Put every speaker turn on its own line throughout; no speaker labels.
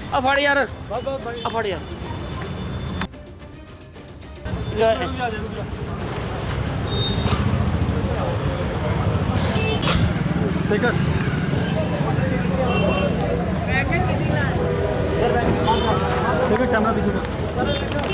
ਆ ਫੜ ਯਾਰ, ਆ ਫੜ ਯਾਰ।
ठीक है कैमरा पीछे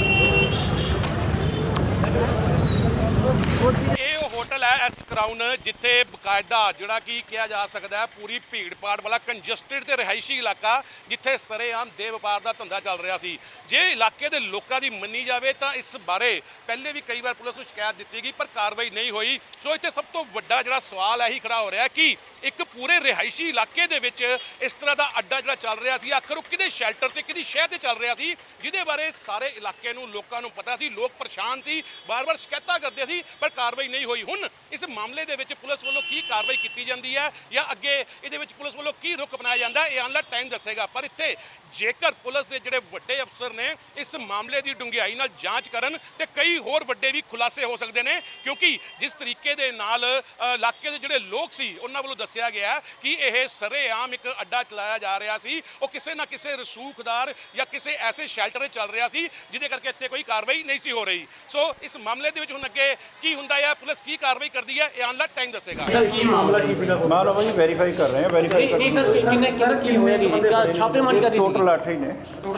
ਇਹ ਉਹ ਹੋਟਲ ਹੈ ਐਸ ਕਰਾਊਨ, ਜਿੱਥੇ ਬਕਾਇਦਾ ਜਿਹੜਾ ਕਿ ਕਿਹਾ ਜਾ ਸਕਦਾ ਹੈ ਪੂਰੀ ਭੀੜ ਭਾੜ ਵਾਲਾ ਕੰਜਸਟਡ ਤੇ ਰਿਹਾਇਸ਼ੀ ਇਲਾਕਾ, ਜਿੱਥੇ ਸਰੇਆਮ ਦੇ ਵਪਾਰ ਦਾ ਧੰਦਾ ਚੱਲ ਰਿਹਾ ਸੀ। ਜੇ ਇਲਾਕੇ ਦੇ ਲੋਕਾਂ ਦੀ ਮੰਨੀ ਜਾਵੇ ਤਾਂ ਇਸ ਬਾਰੇ ਪਹਿਲੇ ਵੀ ਕਈ ਵਾਰ ਪੁਲਿਸ ਨੂੰ ਸ਼ਿਕਾਇਤ ਦਿੱਤੀ ਗਈ, ਪਰ ਕਾਰਵਾਈ ਨਹੀਂ ਹੋਈ। ਸੋ ਇੱਥੇ ਸਭ ਤੋਂ ਵੱਡਾ ਜਿਹੜਾ ਸਵਾਲ ਇਹੀ ਖੜਾ ਹੋ ਰਿਹਾ ਕਿ ਇੱਕ ਪੂਰੇ ਰਿਹਾਇਸ਼ੀ ਇਲਾਕੇ ਦੇ ਵਿੱਚ ਇਸ ਤਰ੍ਹਾਂ ਦਾ ਅੱਡਾ ਜਿਹੜਾ ਚੱਲ ਰਿਹਾ ਸੀ, ਆਖਰ ਉਹ ਕਿਹਦੇ ਸ਼ੈਲਟਰ ਤੇ ਕਿਹਦੀ ਸ਼ਹਿ ਤੇ ਚੱਲ ਰਿਹਾ ਸੀ, ਜਿਹਦੇ ਬਾਰੇ ਸਾਰੇ ਇਲਾਕੇ ਨੂੰ ਲੋਕਾਂ ਨੂੰ ਪਤਾ ਸੀ। ਲੋਕ ਪਰੇਸ਼ਾਨ ਸੀ, ਬਾਰ-ਬਾਰ ਸ਼ਿਕਾਇਤਾਂ ਕਰਦੇ ਸੀ, ਪਰ ਕਾਰਵਾਈ ਨਹੀਂ ਹੋਈ। ਹੁਣ ਇਸ ਮਾਮਲੇ ਦੇ ਵਿੱਚ ਪੁਲਿਸ ਵੱਲੋਂ ਕੀ ਕਾਰਵਾਈ ਕੀਤੀ ਜਾਂਦੀ ਹੈ ਜਾਂ ਅੱਗੇ ਇਹਦੇ ਵਿੱਚ ਪੁਲਿਸ ਵੱਲੋਂ ਕੀ ਰੁਖ ਅਪਣਾਇਆ ਜਾਂਦਾ, ਇਹ ਆਉਣ ਵਾਲਾ ਟਾਈਮ ਦੱਸੇਗਾ। ਪਰ ਇੱਥੇ ਜੇਕਰ ਪੁਲਿਸ ਦੇ ਜਿਹੜੇ ਵੱਡੇ ਅਫਸਰ ਨੇ ਇਸ ਮਾਮਲੇ ਦੀ ਡੂੰਘਾਈ ਨਾਲ ਜਾਂਚ ਕਰਨ ਤੇ ਕਈ ਹੋਰ ਵੱਡੇ ਵੀ ਖੁਲਾਸੇ ਹੋ ਸਕਦੇ ਨੇ, ਕਿਉਂਕਿ ਜਿਸ ਤਰੀਕੇ ਦੇ ਨਾਲ ਇਲਾਕੇ ਦੇ ਜਿਹੜੇ ਲੋਕ ਸੀ ਉਹਨਾਂ ਵੱਲੋਂ ਦੱਸਿਆ ਗਿਆ ਕਿ ਇਹ ਸਰੇਆਮ ਇੱਕ ਅੱਡਾ ਚਲਾਇਆ ਜਾ ਰਿਹਾ ਸੀ, ਉਹ ਕਿਸੇ ਨਾ ਕਿਸੇ ਰਸੂਖਦਾਰ ਜਾਂ ਕਿਸੇ ਐਸੇ ਸ਼ੈਲਟਰ 'ਚ ਚੱਲ ਰਿਹਾ ਸੀ, ਜਿਹਦੇ ਕਰਕੇ ਇੱਥੇ ਕੋਈ ਕਾਰਵਾਈ ਨਹੀਂ ਸੀ ਹੋ ਰਹੀ। ਸੋ ਇਸ ਮਾਮਲੇ ਦੇ ਵਿੱਚ ਹੁਣ ਅੱਗੇ ਕੀ ਹੁੰਦਾ ਹੈ, ਪੁਲਿਸ ਕੀ ਕਾਰਵਾਈ ਕਰਦੀ ਹੈ, ਇਹ ਆਉਣ ਵਾਲਾ ਟਾਈਮ ਦੱਸੇਗਾ।
ਸਰ ਕੀ ਮਾਮਲਾ ਕੀ ਸੀਗਾ?
मामला भाई वेरीफाई कर रहे हैं वेरीफाई
ਨਹੀਂ ਸਰ, ਕਿੰਨੇ ਕੀ ਹੋਇਆ ਜੀ? ਛਾਪੇਮਾਰੀ ਕਰ ਰਹੀ ਸੀ।
टोटल 8 ही ने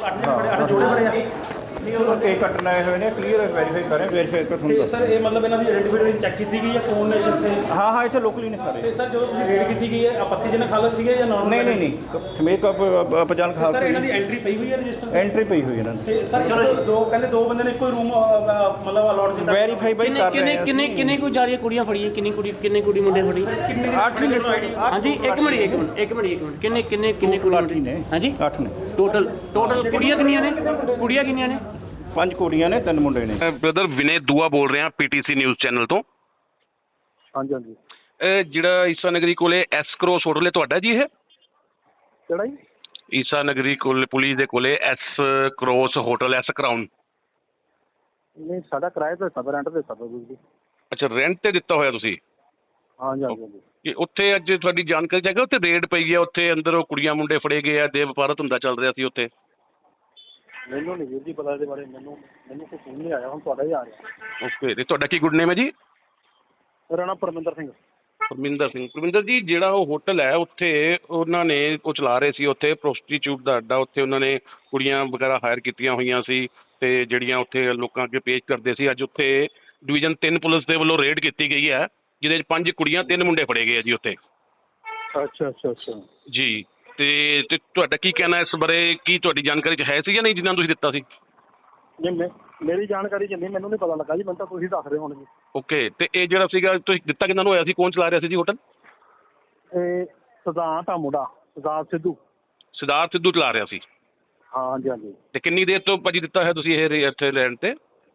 केक कटन आए हुए ने क्लियर वेरीफाई कर रहे हैं वेरीफाई कर
ਤੇ ਸਰ ਇਹ ਮਤਲਬ ਇਹਨਾਂ ਦੀ ਆਇਡੈਂਟੀਫਿਕੇਸ਼ਨ ਚੈੱਕ ਕੀਤੀ ਗਈ ਹੈ ਕੌਣ ਨੇ ਸ਼ਖਸ ਇਹ?
हाँ हाँ इतने लोकली ने सारे
ਤੇ ਸਰ ਜਦੋਂ ਤੁਸੀਂ ਰੇਡ ਕੀਤੀ ਗਈ ਹੈ ਆਪੱਤੀਜਨਕ ਹਾਲਤ ਸੀਗੇ ਜਾਂ ਨਾਰਮਲ?
नहीं नहीं नहीं समेत का पजान खा
ਸਰ ਇਹਨਾਂ ਦੀ ਐਂਟਰੀ ਪਈ ਹੋਈ ਹੈ ਰਜਿਸਟਰ
एंट्री पई हुई है इन्होंने
ਤੇ ਸਰ ਕਹਿੰਦੇ ਦੋ ਬੰਦੇ ਨੇ ਇੱਕੋ ਹੀ ਰੂਮ ਮਤਲਬ ਅਲਾਟ ਕੀਤਾ।
वेरीफाई भाई कर रहे हैं
ਕਿੰਨੇ ਕੋ ਜਾ ਰਹੀ ਕੁੜੀਆਂ ਫੜੀਆਂ? ਕਿੰਨੀ ਕੁੜੀ ਮੁੰਡੇ ਫੜੀ?
ਕਿੰਨੇ
8 ही ने
ਹਾਂਜੀ ਇੱਕ ਮਿੰਟ ਕਿੰਨੇ ਕੁੜੀ
ने
ਹਾਂਜੀ
8 ने
ਟੋਟਲ ਕੁੜੀਆਂ ਕਿੰਨੀਆਂ ਨੇ?
5 ਕੁੜੀਆਂ ਨੇ 3 ਮੁੰਡੇ ਨੇ।
ਬ੍ਰਦਰ ਵਿਨੇ ਦੂਆ ਬੋਲ ਰਿਹਾ ਪੀਟੀਸੀ ਨਿਊਜ਼ ਚੈਨਲ ਤੋਂ।
ਹਾਂਜੀ ਹਾਂਜੀ
ਜਿਹੜਾ ਈਸਾ ਨਗਰੀ ਕੋਲੇ ਐਸ ਕਰੋਸ ਹੋਟਲ ਹੈ ਤੁਹਾਡਾ ਜੀ? ਇਹ
ਕਿਹੜਾ ਜੀ?
ਈਸਾ ਨਗਰੀ ਕੋਲ ਪੁਲਿਸ ਦੇ ਕੋਲੇ S cross hotel S crown.
ਨਹੀਂ ਸਾਡਾ ਕਿਰਾਏ ਤੇ ਸਭ ਰੈਂਟ ਤੇ ਸਭ ਜੀ।
ਅੱਛਾ, ਰੈਂਟ ਤੇ ਦਿੱਤਾ ਹੋਇਆ ਤੁਸੀਂ?
ਹਾਂਜੀ ਹਾਂਜੀ ਹਾਂਜੀ।
ਕਿ ਉੱਥੇ ਅੱਜ ਤੁਹਾਡੀ ਜਾਣਕਾਰੀ ਚਾਹੀਦਾ ਉੱਥੇ ਰੇਡ ਪਈ ਹੈ, ਉੱਥੇ ਅੰਦਰ ਉਹ ਕੁੜੀਆਂ ਮੁੰਡੇ ਫੜੇ ਗਏ ਆ, ਦੇ ਵਪਾਰ ਧੰਦਾ ਚੱਲ ਰਿਹਾ ਸੀ ਉੱਥੇ?
ਮੈਨੂੰ ਨਹੀਂ ਵੀਰ ਜੀ ਪਤਾ ਇਹਦੇ ਬਾਰੇ, ਮੈਨੂੰ ਕੋਈ ਫੋਨ ਨਹੀਂ ਆਇਆ, ਹੁਣ ਤੁਹਾਡਾ ਹੀ ਆ ਰਿਹਾ।
ਓਕੇ, ਤੇ ਤੁਹਾਡਾ ਕੀ ਗੁੱਡ ਨੇਮ ਹੈ ਜੀ?
ਮੇਰਾ ਨਾਮ ਪਰਮਿੰਦਰ ਸਿੰਘ।
ਪਰਮਿੰਦਰ ਜੀ, ਜਿਹੜਾ ਉਹ ਹੋਟਲ ਹੈ ਉੱਥੇ ਉਹਨਾਂ ਨੇ ਉਹ ਚਲਾ ਰਹੇ ਸੀ ਉੱਥੇ ਪ੍ਰੋਸਟੀਚਿਊਟ ਦਾ ਅੱਡਾ, ਉੱਥੇ ਉਹਨਾਂ ਨੇ ਕੁੜੀਆਂ ਵਗੈਰਾ ਹਾਇਰ ਕੀਤੀਆਂ ਹੋਈਆਂ ਸੀ ਤੇ ਜਿਹੜੀਆਂ ਉੱਥੇ ਲੋਕਾਂ ਅੱਗੇ ਪੇਸ਼ ਕਰਦੇ ਸੀ। ਅੱਜ ਉੱਥੇ ਡਿਵੀਜ਼ਨ 3 ਪੁਲਿਸ ਦੇ ਵੱਲੋਂ ਰੇਡ ਕੀਤੀ ਗਈ ਹੈ, ਜਿਹਦੇ 'ਚ 5 ਕੁੜੀਆਂ 3 ਮੁੰਡੇ ਫੜੇ ਗਏ ਆ ਜੀ ਉੱਥੇ।
ਅੱਛਾ ਅੱਛਾ ਅੱਛਾ
ਜੀ, ਤੇ ਤੁਹਾਡਾ ਕੀ ਕਹਿਣਾ ਇਸ ਬਾਰੇ? ਕੀ ਤੁਹਾਡੀ ਜਾਣਕਾਰੀ 'ਚ ਹੈ ਸੀ ਜਾਂ ਨਹੀਂ ਜਿੰਨਾ ਤੁਸੀਂ ਦਿੱਤਾ ਸੀ?
ਨਹੀਂ ਮੇਰੀ ਜਾਣਕਾਰੀ 'ਚ ਨਹੀਂ, ਮੈਨੂੰ ਨਹੀਂ ਪਤਾ ਲੱਗਾ ਜੀ, ਮੈਨੂੰ ਤਾਂ ਤੁਸੀਂ ਦੱਸ ਰਹੇ ਹੋਣਗੇ।
ਓਕੇ, ਤੇ ਇਹ ਜਿਹੜਾ ਸੀਗਾ ਤੁਸੀਂ ਦਿੱਤਾ ਕਿੰਨਾਂ ਨੂੰ ਹੋਇਆ ਸੀ? ਕੌਣ ਚਲਾ ਰਿਹਾ ਸੀ ਜੀ ਹੋਟਲ?
ਇਹ ਸਿਧਾਂਤ ਆ ਮੁੰਡਾ, ਸਿਧਾਂਤ
ਸਿੱਧੂ ਚਲਾ ਰਿਹਾ ਸੀ।
ਹਾਂ ਹਾਂਜੀ ਹਾਂਜੀ।
ਤੇ ਕਿੰਨੀ ਦੇਰ ਤੋਂ ਭਾਜੀ ਦਿੱਤਾ ਹੈ ਤੁਸੀਂ ਇਹ ਇੱਥੇ ਲੈਣ ਤੇ?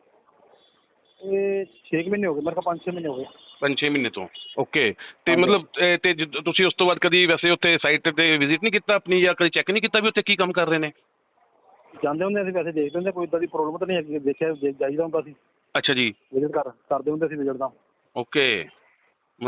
ਇਹ 6 ਮਹੀਨੇ ਹੋ ਗਏ ਮੇਰੇ ਕੋਲ, 5-6 ਮਹੀਨੇ ਹੋ ਗਏ।
5-6 ਮਹੀਨੇ ਤੋਂ। ਓਕੇ, ਤੇ ਮਤਲਬ ਤੇ ਤੁਸੀਂ ਉਸ ਤੋਂ ਬਾਅਦ ਕਦੀ ਵੈਸੇ ਉੱਥੇ ਸਾਈਟ ਤੇ ਵਿਜ਼ਿਟ ਨਹੀਂ ਕੀਤਾ ਆਪਣੀ, ਜਾਂ ਕਦੀ ਚੈੱਕ ਨਹੀਂ ਕੀਤਾ ਵੀ ਉੱਥੇ ਕੀ ਕੰਮ ਕਰ ਰਹੇ ਨੇ?
ਜਾਂਦੇ ਹੁੰਦੇ ਅਸੀਂ, ਵੈਸੇ ਦੇਖਦੇ ਹੁੰਦੇ, ਕੋਈ ਇੱਦਾਂ ਦੀ ਪ੍ਰੋਬਲਮ ਤਾਂ ਨਹੀਂ ਹੈਗੀ, ਦੇਖਿਆ ਜਾਈਦਾ ਹੁੰਦਾ ਸੀ।
ਅੱਛਾ ਜੀ,
ਵਿਜ਼ਿਟ ਕਰਦੇ ਹੁੰਦੇ ਸੀ ਵਿਜ਼ਿਟ ਦਾ।
ਓਕੇ।